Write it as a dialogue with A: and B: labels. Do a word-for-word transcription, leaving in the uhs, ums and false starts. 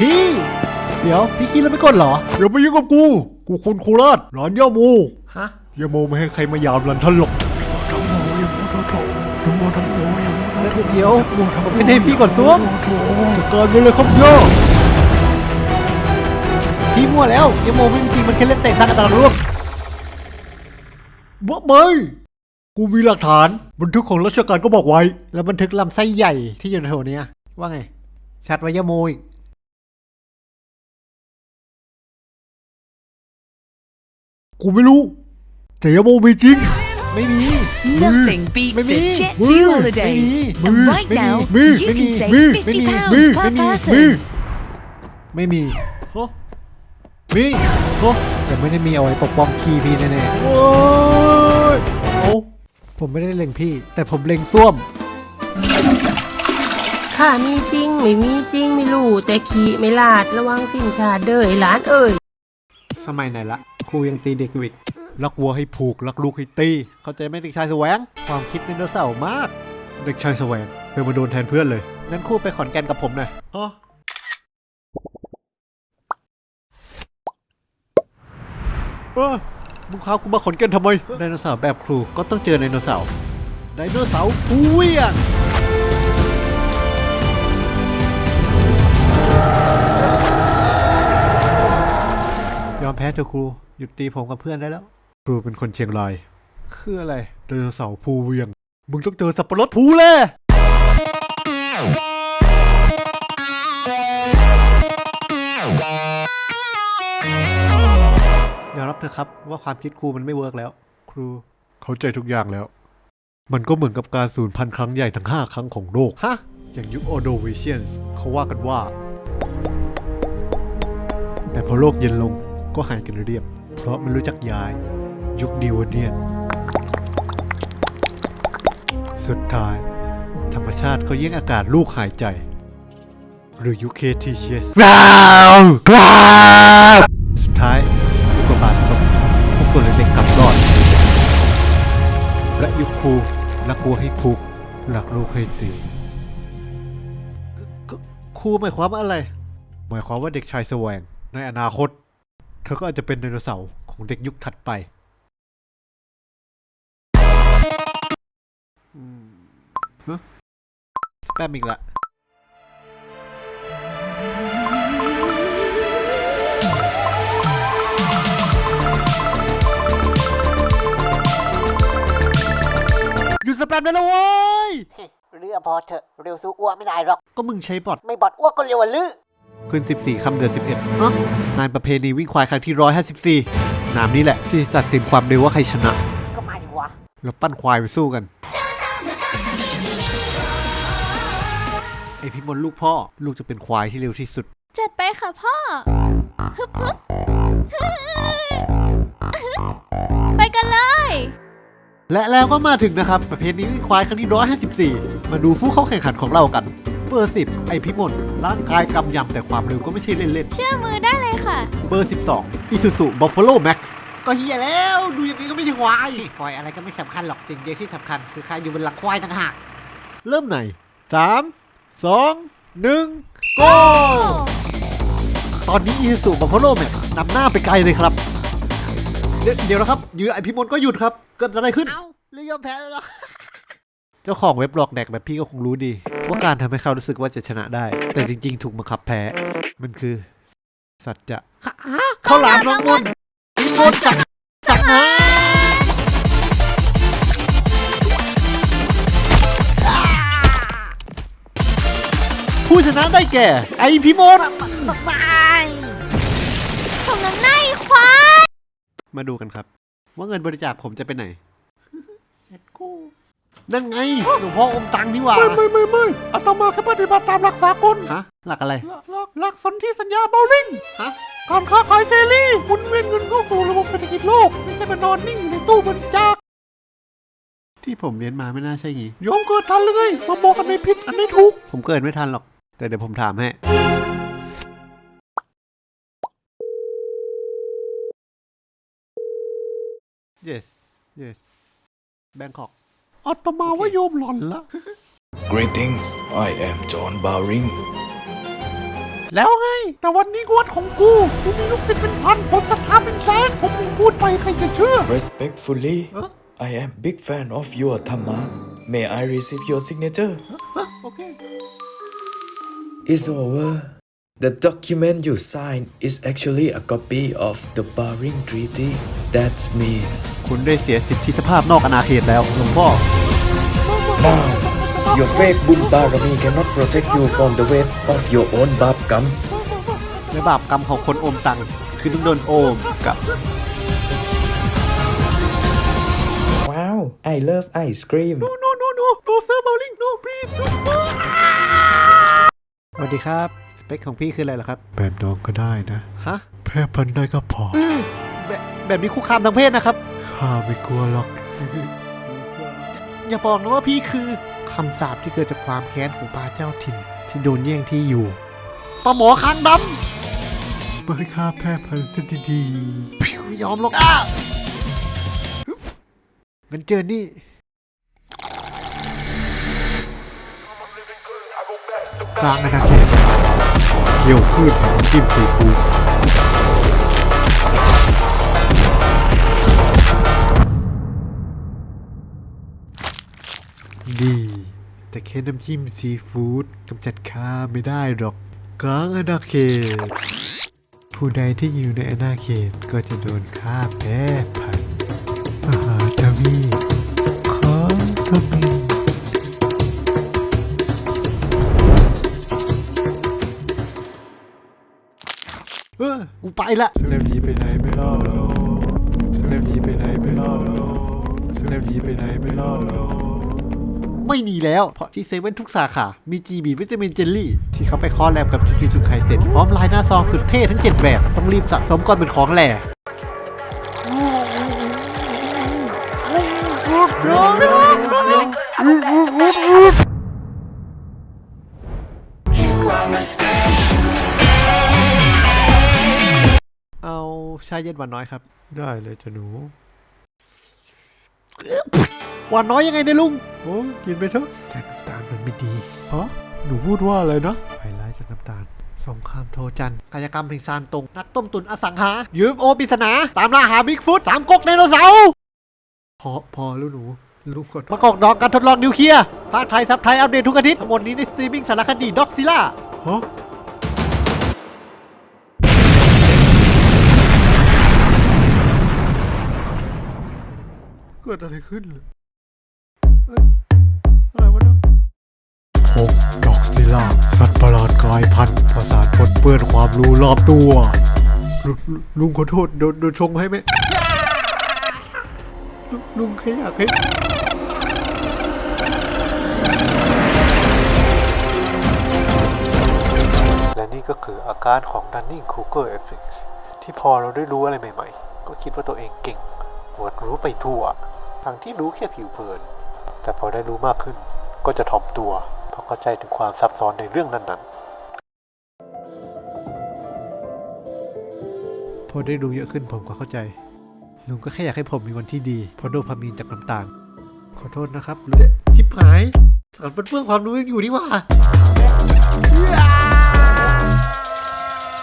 A: พี่เดี๋ยวพี่คิดแล้วไม่กดเหรออย่ามายุ่งกับกูกูคนโคราชร้านย่าโมฮะย่าโมไม่ให้ใครมายามรันทันหรอกเดี๋ยวผมไม่ให้พี่กดซ้วมจัดการไปเลยครับย่าพี่มั่วแล้วย่าโมไม่มีจริงมันแค่เล่นเตะทางอัตราร่วมบ้าไหมกูมีหลักฐานบันทึกของราชการก็บอกไว้แล้วบันทึกลำไส้ใหญ่ที่อยู่ในแถวนี้ว่าไงชัดไว้ย่าโมอีกกูไม่รู้แต่ย่าโมมีจริงไม่มี
B: Nothing beats a Jetty holiday. And right now, you can save fifty pounds per person.
A: ไม่มีโอ้มีโอ้แต่ไม่ได้มีเอาไว้ปกป้องขี้พี่แน่ๆโอ้ยโอ้ผมไม่ได้เล็งพี่แต่ผมเล็งส้วม
C: ข้ามีจริงไม่มีจริงไม่รู้แต่ขี้ไม่ลาดระวังสิ้นชาเด้อไอ้หลานเอ้ย
A: สมัยไหนละครูยังตีเด็กอยู่อีกรักวัวให้ผูกรักลูกให้ตีเข้าใจไหมเด็กชายแสวงความคิดไดโนเสาร์มากเด็กชายแสวงเคยมาโดนแทนเพื่อนเลยงั้นครูไปขอนแก่นกับผมหน่อยอ๋อเออมึงพากูมาขอนแก่นทำไมไดโนเสาร์แบบครูก็ต้องเจอไดโนเสาร์ไดโนเสาร์ผู้เวียงยอมแพ้เถอะครูหยุดตีผมกับเพื่อนได้แล้วครูเป็นคนเชียงรายคืออะไรไดโนเสาร์ภูเวียงมึงต้องเจอสับปะรดภูเลยยอมรับเถอะครับว่าความคิดครูมันไม่เวิร์กแล้วครูเข้าใจทุกอย่างแล้วมันก็เหมือนกับการสูญพันธุ์ครั้งใหญ่ทั้งห้าครั้งของโลกฮะอย่างยุคออโดวิเชียนเขาว่ากันว่าแต่พอโลกเย็นลงก็หายกันเรียบเพราะมันรู้จักยายยุคดิวเนียนสุดท้ายธรรมชาติก็แย่งอากาศลูกหายใจหรือยุคเคทีเชียสกราวกราวสุดท้ายลูกกระบาดตกพวกตัวเล็กๆกลับรอดและยุคครูรักวัวให้ผูกรักลูกให้ตีครูหมายความว่าอะไรหมายความว่าเด็กชายแสวงในอนาคตเธอก็อาจจะเป็นไดโนเสาร์ของเด็กยุคถัดไปฮะสแปมอีกละหยุดสแปมได้แล้วเว้ย
D: เรือพอเถอะเร็วสู้อ้วกไม่ได้หรอก
A: ก็มึงใช้บอท
D: ไม่บอดอ้วกก็เร็วกว่าลือ
A: ขึ้นสิบสี่ค่ำเดือนสิบเอ็ดฮะงานประเพณีวิ่งควายครั้งที่หนึ่งร้อยห้าสิบสี่นามนี้แหละที่ตัดสินความเร็วว่าใครชนะ
D: ก็มาดิวะ
A: เราปั้นควายไปสู้กันไอพี่มนลูกพ่อลูกจะเป็นควายที่เร็วที่สุด
E: จัดไปค่ะพ่อฮึบฮึบไปกันเลย
A: และแล้วก็มาถึงนะครับประเพณีวิ่งควายครั้งที่หนึ่งร้อยห้าสิบสี่มาดูผู้เข้าแข่งขันของเรากันเบอร์สิบไอพิมลร่างกายกำยำแต่ความเร็วก็ไม่ใช่เล่นๆ
E: เชื่อมือได้เลยค่ะ
A: เบอร์สิบสองอิซูซุบัฟฟาโลแม็กซ์ก็เฮียแล้วดูอย่างนี้ก็ไม่ใช่ควาย
D: ควายอะไรก็ไม่สำคัญหรอกสิ่งเดียวที่สำคัญคือใครอยู่บนหลังควายต่างหาก
A: เริ่มไหนสามสองหนึ่งโกตอนนี้อิซูซุบัฟฟาโลแม็กซ์นำหน้าไปไกลเลยครับเดี๋ยวเดี๋ยวนะครับอยู่ไอพิมลก็หยุดครับเกิดอะไรขึ้น
D: เอ้าเรือยอมแพ้แล้วเหรอ
A: เจ้าของเว็บหลอกแดกแบบพี่ก็คงรู้ดีว่าการทำให้เขารู้สึกว่าจะชนะได้แต่จริงๆถูกบังคับแพ้มันคือสัจจะเข้าหลามน้องมนพิมลจักจักนะผู้ชนะได้แก่ไอพิมล
E: ส่งน้ำหน้าอีควาย
A: มาดูกันครับว่าเงินบริจาคผมจะไปไหนนั่นไงหลวงพ่ออมตังนี่หว่า
F: ไม่ไม่ไม่ไม่อาตมาแค่ปฏิบัติตามหลักสากล
A: ฮะหลักอะไร
F: หลักหลักสนธิสัญญาเบลลิง
A: ฮะ
F: การค้าขายเสรีหมุนเวียนเงินเข้าสู่ระบบเศรษฐกิจโลกไม่ใช่มานอนนิ่งอยู่ในตู้บริจาค
A: ที่ผมเรียนมาไม่น่าใช่งี้
F: ยอมเกิดทันเลยมาบอกกันในผิดอันนี้ถูก
A: ผมเกิดไม่ทันหรอกแต่เดี๋ยวผมถามให้ yes yes แบงคอก
F: อาตมาว่าโยมหล่อนละ
G: Greetings I am John Bowring
F: แล้วไง แต่วันนี้กวดของกู กูมีลูกศิษย์เป็นพันผมศรัทธาเป็นแสนผมพูดไปใครจะเชื่อ
G: Respectfully, I am big fan of your Thamma. May I receive your signature?
F: โอเค
G: It's over. The document you signed is actually a copy of the Baring Treaty. That's me.
A: คุณได้เสียสิทธิภาพนอกอาณาเขตแล้วหลวงพ่อ
G: Now, your fake Bun Barami cannot protect you from the weight of your own Bab Gam.
A: และบาปกรรมของคนโอมตังคือต้องโดนโอมกับ
G: Wow, I love ice cream.
F: no no no no no sir Bowling no please no
A: สวัสดีครับ สเปคของพี่คืออะไรเหรอครับ แบบน้องก็ได้นะ ฮะ แพ้พันได้ก็พอ แบบแบบนี้คุกคามทางเพศนะครับ ข้าไม่กลัวหรอก อย่าบอกนะว่าพี่คือคำสาปที่เกิดจากความแค้นของปลาเจ้าถิ่น ที่โดนแย่งที่อยู่ปลาหมอคางดำไม่ข้าแพ้พันซะดีๆพิวยอมหรอกอ่ะงั้นเจอนี่กลางอาณาเขตเกี่ยวขึ้นจิ้มซีฟู้ดดี แต่แค่น้ำจิ้มซีฟู้ดกำจัดข้าไม่ได้หรอกกลางอาณาเขตผู้ใดที่อยู่ในอาณาเขตก็จะโดนฆ่าแพ้พันมหาทวีปของทมินเออกูไปละเจ้าหนีไปไหนไม่รอดหรอกเจ้าหนีไปไหนไม่รอดหรอกเจ้าหนีไปไหนไม่รอดหรอกไม่มีแล้ว เพราะที่เซเว่นทุกสาขา มีจีบีวิตามินเจลลี่ ที่เขาไปคอลแลบกับจูจูสุไคเซ็นพร้อมลายหน้าซองสุดเท่ทั้งเจ็ดแบบ ต้องรีบสะสมก่อนเป็นของแหล่เอาชาเย็นหวานน้อยครับ ได้เลยจ้ะหนูหวานน้อยยังไงเนี่ยลุงโอ้กินไปเถอะแต่น้ำตาลมันไม่ดีฮะหนูพูดว่าอะไรนะไฮไลท์จากน้ำตาลสงครามโทจันกายกรรมแห่งซานตรงนักต้มตุนอสังหายูเอฟโอปริศนาตามล่าหาบิ๊กฟุตตามกกไดโนเสาร์พอพอแล้วหนูลุงกดประกอบดอกการทดลองนิวเคลียร์ภาคไทยซับไทยอัปเดตทุกอาทิตย์ทั้งหมดนี้ในสตรีมมิ่งสารคดีด็อกซิล่าฮะเกิดอะไรขึ้นเอ้ยอะไรวะเนี่ยพบดอกซิล่าสัตว์ประหลาดกลายพันธุ์ประสาทปนเปื้อนความรู้รอบตัวลลุลุงขอโทษโดนโดนชงให้ไหมลุลุงแค่อยากให้และนี่ก็คืออาการของ Dunning-Kruger Effect ที่พอเราได้รู้อะไรใหม่ๆก็คิดว่าตัวเองเก่งหมดรู้ไปทั่วทั้งที่รู้แค่ผิวเผินแต่พอได้รู้มากขึ้นก็จะถ่อมตัวเพราะเข้าใจถึงความซับซ้อนในเรื่องนั้นๆพอได้รู้เยอะขึ้นผมก็เข้าใจลุงก็แค่อยากให้ผมมีวันที่ดีเพราะโดพามีนจากน้ำตาลขอโทษนะครับลุงชิบหายสารเปื้อนความรู้ยังอยู่นี่หว่า